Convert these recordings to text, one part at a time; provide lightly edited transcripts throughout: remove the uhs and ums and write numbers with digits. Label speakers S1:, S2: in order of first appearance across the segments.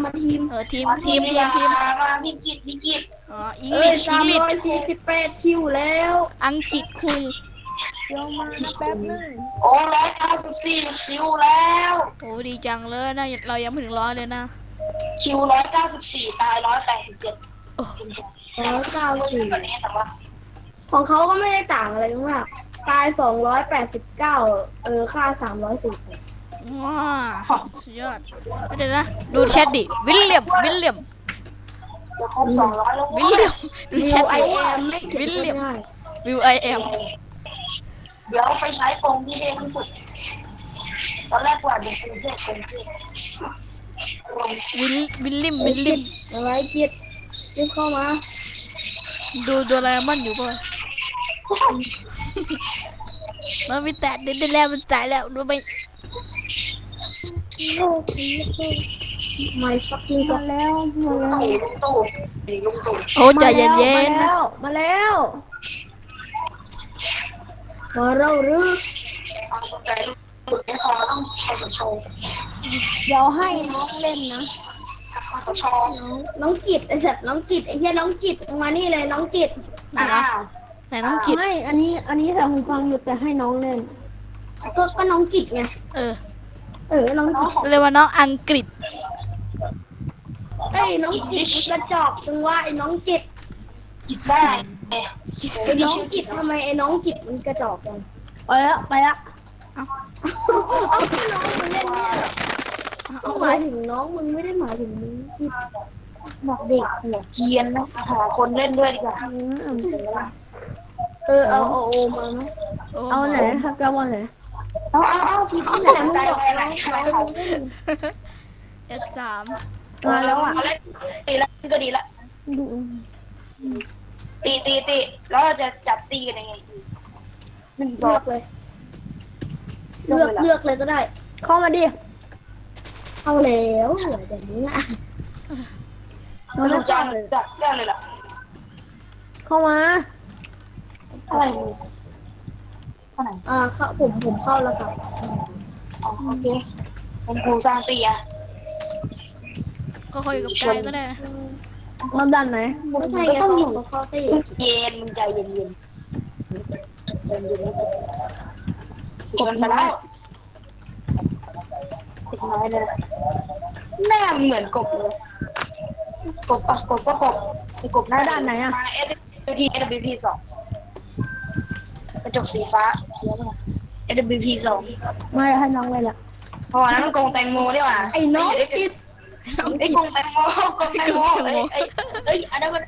S1: มาทีม
S2: ทีม
S3: มาที
S2: ทีมทีม
S3: มนี่มา
S2: ทีม
S3: มาพี่กิจ
S2: อ๋ออังกฤษอังกฤษ
S1: 348 คิวแล้ว
S2: อังกฤษคุง
S4: เดี๋ยวมานะแป๊บนึง
S3: โอ้194 คิวแล้ว
S2: โอ้ดีจังเลยนะเรายังไม่ถึงร้อยเลยนะ
S3: คิว194ตาย187
S2: โอ้
S3: 194กว่านี้แต่ว่า
S1: ของเขาก็ไม่ได้ต่างอะไรมากตาย289ค่า310
S2: ว้าสุดยอดเดี๋ยวนะดูแชทดิวิลเลียม
S3: จะครบ200แล้ว
S2: วิลเลียมดูแช
S1: วิ
S2: ท
S1: วไอ
S2: ดิ
S1: แอมไม่ถึง
S2: วิลเลียม
S1: ง่าย
S2: วิวไอเอ็ม
S3: เดี๋ยวไปใช้กรงที่เด่นที่สุดตอนแรกว่าเด็กกรุงเทพ
S2: วิลเลียม
S1: อะไรกิจรีบเข้ามา
S2: ดูโดราเอมอนอยู่ป่ะมันมีแต่เดินแล้วมันตายแล้วดูไป
S1: โลกนี้ไม่ฟักกิ้งก็
S4: มาแล้วมาแล้ว
S3: ลุงตู่
S2: โอ้ใจเย็น
S4: มา
S2: ๆ
S4: แล้
S2: นะ
S4: วมาแล้ว
S1: มาเราหรือ
S3: เอาสนใจลุงตู่ไม่พอต้องคสช
S4: เดี๋ยวให้น้องเล่นนะ
S3: คสช
S1: น้องกิจไอ้สัตว์น้องกิจไอ้เหี้ยน้องกิจมานี่เลยน้องกิจ
S3: อ่า
S2: ไหนน้องกิต
S4: ให้อันนี้แต่หูฟังอยู่แต่ให้น้องเล่น
S1: ก็น้องกิจไง
S2: เออ
S1: น้องกิจ
S2: เรียกว่าน้องอังกฤษ
S1: น้องกิจมันกระจอกจังว่าไอ้น้องกิจ
S3: กิจได้
S1: ไอ้น้องกิจทำไมไอ้น้องกิจมันกระจอกจัง
S4: ไปละไปละ
S1: เอาที่น้องมันเล่นเนี่ยก็หมายถึงน้องมึงไม่ได้หมายถึงมึงกิจ
S4: บอกเด็ก
S3: หัวเกียนนะหาคนเล่นด้วยดีกว่า
S1: เอาโอมาไหม
S4: เอาไหนครับจะวันไหน
S3: เอาทีมไหนมึงบอกอะไรเขา
S2: F3
S4: มาแล้วอ่ะ
S3: เขาเล่นตีแล้วก็ดีละ
S4: ดู
S3: ตีแล้วเราจะจับตีกันยังไง1
S1: เลือกเลย เลือกเลยก็ได้
S4: เข้ามาดิ
S1: เอาแล้วเหลือแต่นี้อ่ะ
S3: ไม่รู้จักเลยล่ะ
S4: เข้ามา
S3: อะไรมึงเท่าไหร่
S1: เข้าผมเข้าแล้วครับ
S3: โอเคเป็นครูสร้างตีอะ
S2: ก็คุยกับกายก็ได้นะ
S4: เราดันไหน
S1: ไม่ใช่ไงต้องเข้าตี
S3: เย็นมึงใจเย็นใจเย็นกดมาแล้วติดน้อยเลยหน้าเหมือนกบเลยกบก็กบหน้าด้านไหนอะมา SWT 2กระจกสีฟ้าเขียวเลย SWT 2
S4: ไม่ให้น้องเลยล่ะ
S3: เพราะว่านั้นมันกงแตงโมดีกว่า
S1: ไอ้น้องกิจ
S2: น้อง
S3: ไอ้
S2: กิต
S3: กงแตงโมอันนั้นมัน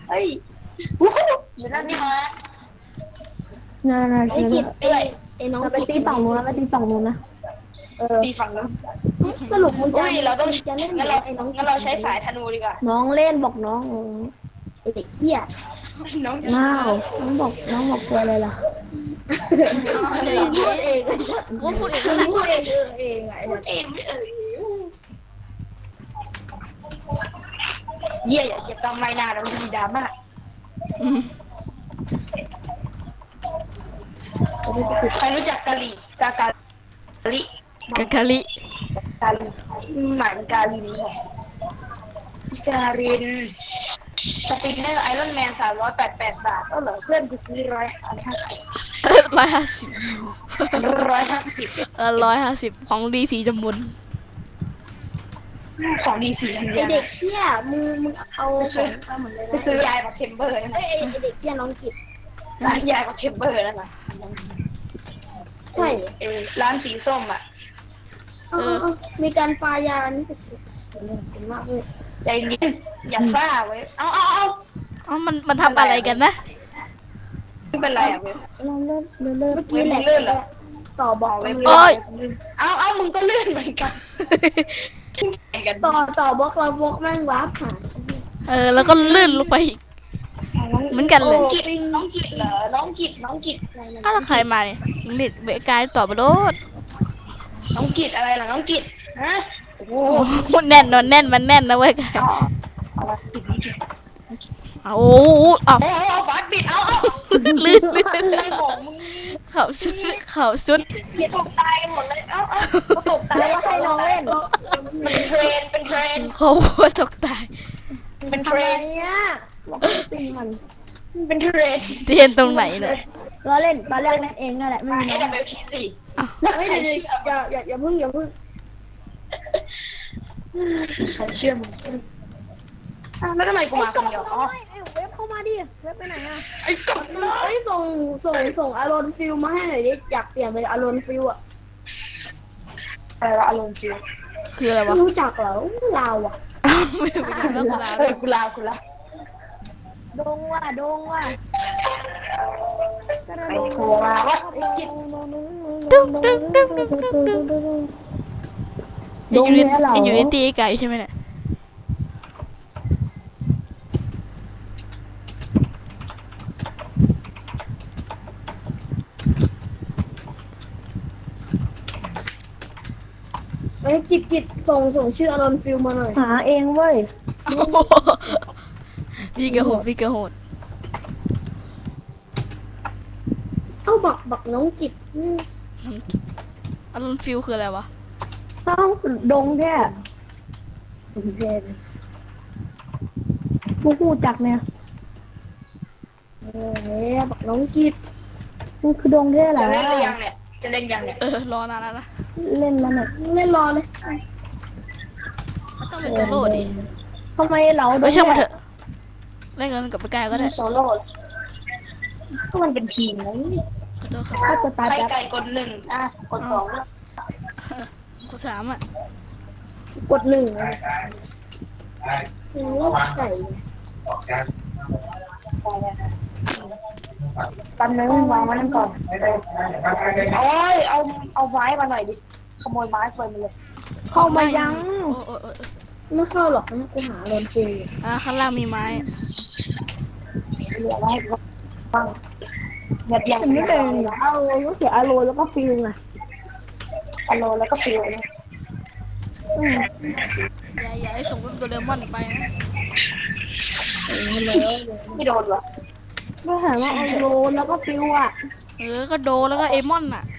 S3: อยู่นั่นนี่มา
S4: น่า
S1: ไอ้กิจไอ้น้อง
S4: เราไป
S1: กิจ
S4: ตีฝั่งนู้นแล้วไปตีฝั่งนู้นนะ
S3: ตีฝั่งนู้น
S1: สรุปมึงจะ
S3: เราต้อง
S1: จะเล่น
S3: งั้นเราใช้สายธนูดีกว่า
S4: น้องเล่นบอกน้อง
S1: ไอ้เด็กเหี้ย
S3: น้อง
S4: น้าวน้องบอกตัวอะไรล่ะ
S2: ใจเย็น
S1: พูดเอง
S2: ๆกูพูดเอง
S1: พู
S2: นั่นแหละ
S1: ดเองเองไง
S3: เองไม่เยี่ยอย่าเจ็บตามไม่นาเราดีดราม่า
S2: อืม
S3: ใครรู้จักกะหรี่กาลิ
S2: กะกะลิ
S3: กาลิหมายกาลินการินสปินเนอร์ไอรอนแมน388 บาทก็เหรอเพื่อนกูซื้อ150
S2: 150 150ของดีสีจมูก
S3: ของดีสีทัน
S1: ไอ
S3: เดีย
S1: เด็กเหี้ยมึงเอาเหมือนเลย
S3: ไปซื้อยายมาเทมเบอร์นั่นแห
S1: ไอ
S3: ละ
S1: เด็กเหี้ยน้องกิจ
S3: ร้านยายมาเทมเบอร์นั่นแหละ
S1: ใช่
S3: ร้านสีส้มอ่ะ
S1: มีการปายานี่สุดๆมากเลย
S3: ใจเย็นอย่าซ่าไว้เอา
S2: อ๋อมันทำอะไรกันนะ
S3: ไม่เป็นไรอ่ะเว้ย
S4: เราเล่น
S1: เมื่อกี้แหละต่อบอกเลย
S2: โอ้ย
S3: เอามึงก็เลื่อนเหมือนกันกัน
S1: ต่อบล็อกเราบล็อกแม่งวาร์ปหา
S2: แล้วก็ลื่นลงไปอีกเหมือนกันเลย
S3: น้องกิจเหรอน้องกิจ
S2: อ้าวแล้วใครมาเนี่ยเด็กเบกายตอบมาโดด
S3: น้องกิจอะไรล่ะน้องกิจฮะโอ้โห
S2: โอ้โหแน่นมันแน่นนะเว้ยกาย
S3: เอาละกิจน้องกิจ
S2: โอ้โหเอา
S3: โอ้ฟาดบิดเอา
S2: ลื่น
S3: อะไรของมึง
S2: เขาสุดเขาสุด
S3: เดี๋ยวตกตายกันหมดเลยเอ้าตกตาย
S4: แล้วให้น้องเล่น
S3: เป็นเทรนเป็นเทรน
S2: เขาหัวตกตาย
S3: เป็นเท
S4: ทำ
S3: ร
S4: ไม
S3: น
S4: เนี่ยบอกให้ตีมัน
S3: เป็นเทรน
S2: เทียนตรงไหนเนี่ย
S4: ล้อเล่นตอนแรกเล่นเองนั่นแหละไม่มีน้อง
S3: AWT4
S1: เฮ้ยเดี๋ยวอย่าเพิ่ง
S3: ใครเชื่อมึงแล้วทำไมกูมาคนเดียวอ๋อ
S4: เว็บเข้ามาดิเว็บไปไหนอ่ะ
S3: ไอ้กบ
S1: เอ้ยส่งอารอนฟิลมาให้หน่อยดิอยากเปลี่ยนเป็นอารอนฟิลอะ
S3: อะไรวะอารมณ์ฟิว
S2: คืออะไรวะ
S1: ไม่รู้จักเหรอเราอะ
S2: ไม่รู้จักแล้วกูลา
S3: กูลากูลา
S4: ดงว่ะ
S3: ใ
S4: ดงว่ะ
S3: ครโทรมาวะ
S2: ตึ้งตึ้งตึ้งตึ้งตึ้งตึ้ง
S4: ดงเนี่ยเหรอ
S2: อยู่ในตีไก่ใช่ไหมเนี่ย
S1: เอ้ยจิตส่งชื่ออารอนฟิลมาหน่อย
S4: หาเองเว้ย
S2: โอ้โหพี่กระโหดพี่กระโหด
S1: เอ้าบักน้องจิต
S2: อารมณ์ฟิลคืออะไรวะ
S4: เอ้าดงแค่กูพูดจักเนี่ย
S1: บักน้องจิต
S4: มันคือดงแค่เหรอ
S3: จะเล่นหรือยังเนี่ยจะเล่นยังเนี่ย
S2: รอนานแล้วนะ
S4: เล่นมันอ่ะ
S1: เล่นรอเลย
S2: มันต้องเป็นโซโล่ดิ
S4: ทำไมเราด
S2: ไม่
S4: ง
S2: ช่างมาเถอะเล่นกันกับไปไกลก็ได้
S3: โซโล่ก็มันเป็นทีมนะ
S2: ขอโทษครับ
S4: ถ้าจะตาย
S3: ใคร
S4: แบบ
S3: ไก่กด1กด2
S2: กูสามอ่ะ
S1: กด1ไก่
S3: ตันนึงวางไว้นั่นก่อนโอ้ยเอาไม้มาหน่อยดิขโมยไม้ไปมาเลย
S4: เข้ามายัง
S2: โอ้ย
S1: ไม่เข้าหรอกนะกูหาอารอนฟิล
S2: ข้างล่างมีไม้
S3: เหลือไว้ให้บ้างแบบอย่าง
S4: อันนี้เป็นเอาลูกเสืออาโรแล้วก็ฟิลไง
S3: อโลแล้วก็ฟิลเนี่ย
S2: อย่าให้ส่งเป็นโดเรมอนไปนะ
S3: ไม่โดนวะ
S4: ก็ถามว่าอาโรแล้วก็ฟิลอ่ะ
S2: ก็โดแล้วก็เอมอนอ่ะ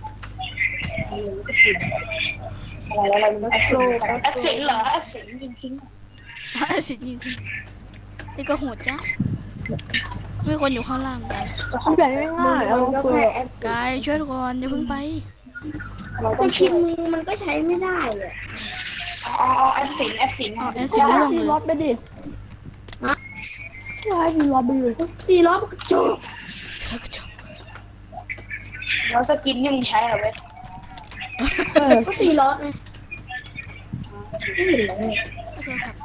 S3: อะไรมันแอสซินเหรอแอสซินยิงทิ้ง
S2: สิจริงนี่ก็โหดจ้ะมีคนอยู่ข้างล่างกัน
S4: มันแบบง่ายๆเอา
S1: ก็
S4: ฟิล
S1: แค่แอด
S2: กายช่วยก่อนอย่าเพิ่งไป
S1: แต่คิมมันก็ใช้ไม่ได้เลย
S3: อ๋อแอสซิน
S2: แอสซิน
S4: ให้
S2: เรื่อง
S4: ฟี
S2: เลย
S4: รอดไปดิให้ฟีรอดไปดิ
S1: 4 รอบก็จบ
S2: สักจบ
S3: แล้วสกินนี่มึงใช้เหรอเว้ย
S1: ก็4 รอบไงไม่เห็นเลย
S2: ขอโทษครับ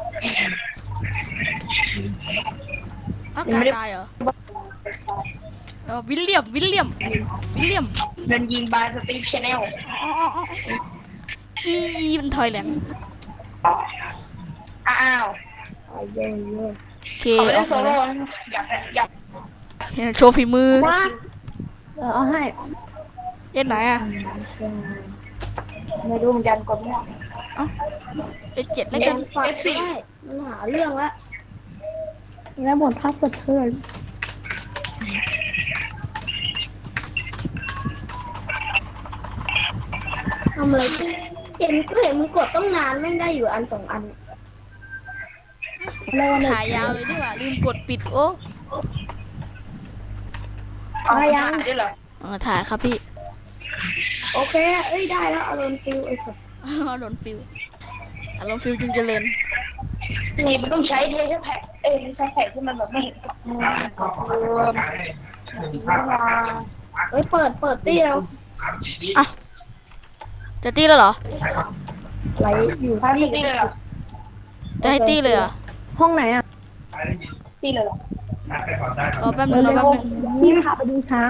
S2: กายตายเหรอวิลเลียม
S3: โดนยิงบายสตีฟชาแนล
S2: อีมันถอยแหลง
S3: อ้าว
S2: เค
S3: เขาไม่
S2: อ
S3: ได้
S2: อก
S3: โซ
S2: มา
S3: โล่
S2: แล้ว
S3: อยาก
S2: โชว์ฝีมือ
S4: ว่าเอาให้
S2: เอ็ดไหนอ่ะ
S3: ไม่รู้เหมือนกันกดมั่ว
S2: เอ็ด7แล้ว
S1: โด
S2: กัน
S1: นฝัดได้มันหาเรื่องละ
S4: แล้วหมดทักกระเทือน
S1: ทำอะไรเห็นมึงกดต้องนานไม่ได้อยู่อัน 2 อัน
S4: แล้ววัน
S2: ถ่ายยาวเลยดีกว่าลืมกดปิดโอ้
S3: ถ่ายด้วยเหรอ
S2: ถ่ายครับพี่
S1: โอเคเอ้ยได้แล้วอารอนฟิลไอ้สัส
S2: อารมณ์ฟิลจึงเจริญ
S3: นี่มันต้องใช้เทสแพ็คใช้แพ็คที่มันแบบไม่เห็นกับมือมา
S1: เอ้ยเปิดตี้แล้ว
S2: อ่ะจะตีแล้วเหรอ
S1: ไหลอยู่
S3: พาตีเลยเหรอ
S2: จะให้ตีเลยเหรอ
S4: ห้องไหนอ่ะ
S3: ตีเลยเหรอ
S2: รอแป๊บนึง
S4: นี่พาไปดูช้าง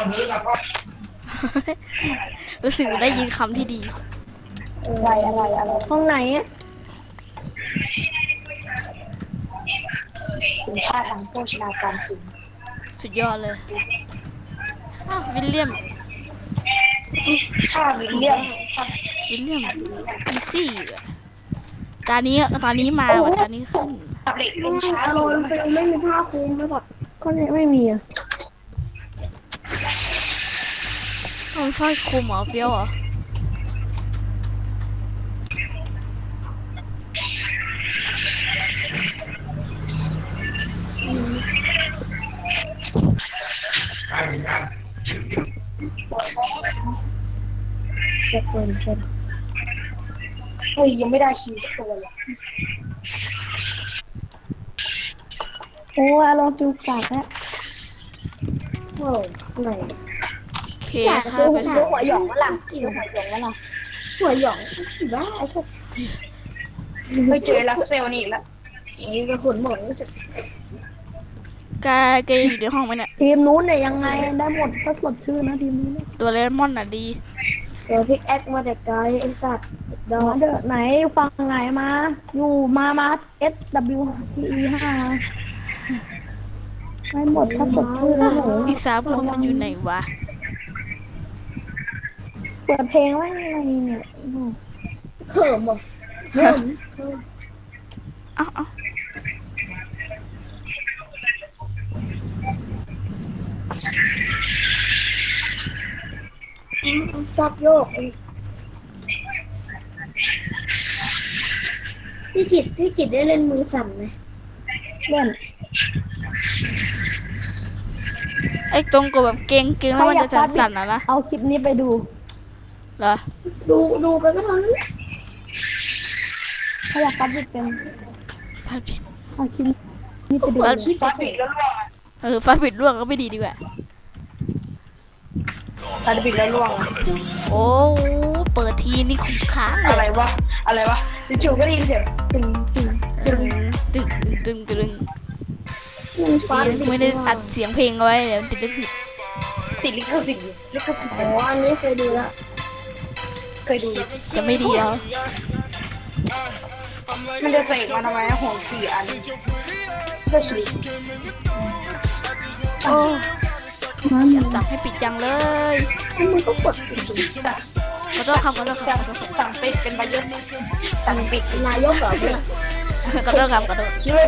S2: รู้สึกได้ยินคำที่ดี
S3: อะไร
S4: ห้องไหนอ่ะ
S3: คุณค่าทางโภชนาการสูง
S2: สุดยอดเลยวิลเลียม
S3: ค่าวิลเลียม
S2: อีซี่ตานี้มาว่ะตานี้ขึ้น
S3: ขับเหล็กเป็นช้า
S1: อารอนฟิลไม่มีผ้าคลุมไม่พอ
S4: ก็ไม่มีอ่ะ
S2: มันสร้อยคลุมเหรอเฟี้ยวเหรอ
S1: เช็คคนเช็ค
S3: เฮ้ยยังไม่ได้คีย์สักตัวเลย
S4: โอ้อารมณ์ฟิวกากแล้ว
S1: โอ้ไหน
S2: โอเค
S1: อยาก
S2: ค่ะ
S1: ดู
S2: ไป
S1: ห
S2: ส่
S1: นั
S2: ง
S1: งหัวหยองวะล่ะกินหัวหยองวะล่ะหัวหยองบ้าไอ้สัส
S3: เฮ้ยเจอลักเซลนี่อีกแล้ว
S1: นี่ก็ขนหมดนี่จะ
S2: แกอยู่ในห้องไหมเนี่ย
S4: ทีมนู้นเนี่ยยังไงได้หมดถ้าสดชื่อนะทีมนู้นเนี่ย
S2: ตัวเลมอนน่ะดี
S1: เดี๋ยวพิกแอคมาแต่ไกลไอ้สัตว์ดอ
S4: มาก เด้อไหนฟังไหนมาอยู่มา SWCE 5ได้หมดถ้าสดชื่อนะหนู
S2: อีก3 คนมันอยู่ไหนวะ
S4: เปิดเพลงไว้อะไรเนี่ยโอ้โห
S1: เขิมอ่ะเขิม
S2: เอ้า
S1: ชอบโยกพี่กิจได้เล่นมือสั่นไหม
S4: เล่น
S2: ไอ้ตรงกดแบบเก่งแล้วมันจะสั่นๆนะ
S4: เอาคลิปนี้ไปดู
S2: เหรอ
S1: ดูไปก็เท่านั้น
S4: ถ้าอยากฟัดบิดเป็น
S2: ฟาดผิด
S4: เอาคลิปนี้ไปดู
S2: ฟาด
S3: ฟาดบิดแล้วล่วงอ่ะ
S2: ฟาดผิดร่วงก็ไม่ดีดีกว่า
S3: ฟาดบิดแล้วล่วงอ่ะ
S2: โอ้เปิดทีนี่คุ้มค้างเล
S3: อะไร
S2: ยว
S3: ะอะไรวะจู่ๆก็ได้ยินเสียงตึงตึงตึง
S2: ดึง
S1: มือฟ้า
S2: ไม่ได้อัดเสียงเพลงเอาไว้เดี๋ยวมันติดลิขสิทธิ์
S3: ติดลิขสิทธิ์ลิขสิทธิ์
S1: อ๋ออันนี้เคยดูแล้ว
S3: เคยดูอยู่
S2: จะไม่ดีแล้ว
S3: มันจะใส่มาทำไมนะหัว4 อันก็ฉีด
S2: โอ้อยากสั่งให้ปิดจังเลย
S1: แล้วมึงก็กดปิดดู
S3: สั่ง
S2: ขอโทษครับขอโทษครับ
S3: สั่งปิดเป็นประโยชน์สั่งปิด
S1: นายกเหรอเนี่ย
S2: ขอโทษครับขอโทษ
S3: คิดว่า